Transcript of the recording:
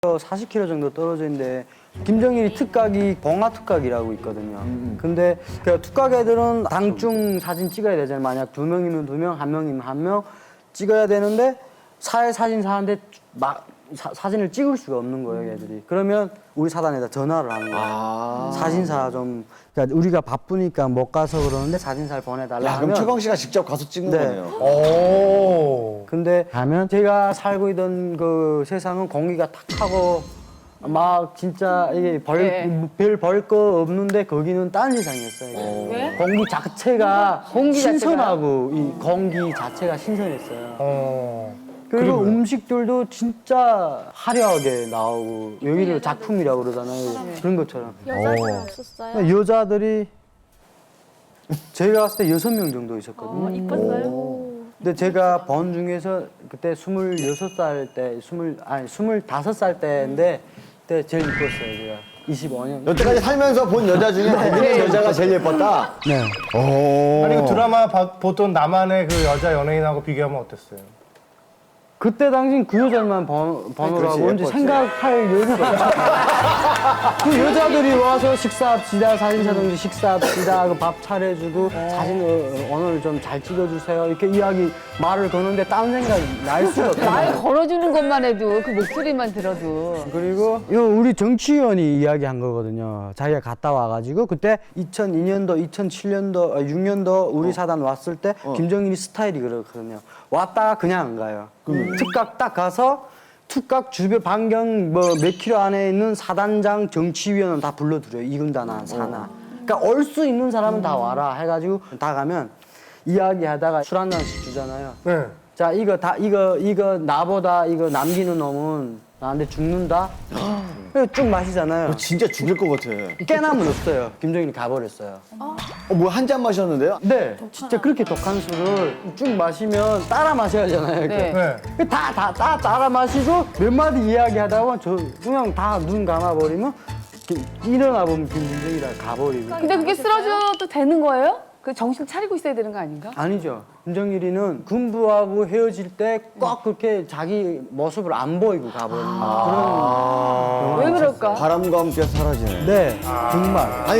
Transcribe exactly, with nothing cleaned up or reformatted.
사십 킬로미터 정도 떨어져 있는데 김정일이 특각이 봉화 특각이라고 있거든요. 음. 근데 그 특각 애들은 당중 사진 찍어야 되잖아요. 만약 두 명이면 두 명, 한 명이면 한 명 찍어야 되는데 사회 사진사한테 막 사, 사진을 찍을 수가 없는 거예요, 얘들이. 그러면 우리 사단에다 전화를 하는 거예요. 아. 사진사 좀 그러니까 우리가 바쁘니까 못 가서 그러는데 사진사를 보내달라 야, 하면 그럼 최광 씨가 직접 가서 찍는 네. 거네요. 오. 근데 가면 제가 살고 있던 그 세상은 공기가 탁하고 막 진짜 이게 네. 벌별 벌 거 없는데 거기는 딴 세상이었어요. 이게. 왜? 공기 자체가 공기 신선하고 이 공기 자체가 신선했어요. 어. 그리고 그리고요? 음식들도 진짜 화려하게 나오고 여기를 작품이라고 그러잖아요. 그런 것처럼 여자는 어. 없었어요? 여자들이 제가 봤을 때 여섯 명 정도 있었거든요. 어, 이뻤어요? 근데 제가 본 중에서 그때 스물여섯 살 때, 스물, 아니, 스물다섯 살 때인데, 그때 제일 이뻤어요, 제가. 이십오 년. 여태까지 살면서 본 여자 중에 거기는 여자가 제일 예뻤다? 네. 오. 아니 그 드라마 봐- 보던 나만의 그 여자 연예인하고 비교하면 어땠어요? 그때 당신 그 여자만 번, 번호라고 그렇지, 이제 예뻤지. 생각할 여유가 없었어요. 그 여자들이 와서 식사합시다, 사진사동지 식사합시다, 그 밥 차려주고, 사진 어, 오늘 좀 잘 찍어주세요. 이렇게 이야기, 말을 거는데 딴 생각이 날 수가 없어요. 말 걸어주는 것만 해도 그 목소리만 들어도 그리고 이거 우리 정치위원이 이야기한 거거든요. 자기가 갔다 와가지고 그때 이천이 년도, 이천칠 년도, 육 년도 우리 사단 왔을 때 김정일이 스타일이 그렇거든요. 왔다가 그냥 안 가요. 특각 딱 가서 특각 주변 반경 뭐 몇 킬로 안에 있는 사단장 정치위원은 다 불러들여요. 이군단나 사나. 그러니까 올 수 있는 사람은 다 와라 해가지고 다 가면 이야기하다가 술 한 잔씩 주잖아요. 네. 자 이거 다 이거 이거 나보다 이거 남기는 놈은 나한테 죽는다. 그래서 쭉 마시잖아요. 진짜 죽일 것 같아. 깨남은 없어요. 김정일이 가버렸어요. 어, 뭐 한 잔 마셨는데요? 네, 진짜 그렇게 독한 술을 쭉 마시면 따라 마셔야 하잖아요. 이렇게. 네. 네. 다, 다, 다 따라 마시고 몇 마디 이야기하다가 저 그냥 다 눈 감아버리면 기- 일어나 보면 김정일이가 가버리고. 근데 그게 쓰러져도 되는 거예요? 그 정신 차리고 있어야 되는 거 아닌가? 아니죠. 김정일이는 군부하고 헤어질 때 꼭 그렇게 자기 모습을 안 보이고 가버리는 그런. 왜 그럴까? 바람과 함께 사라지네. 네, 정말. 아니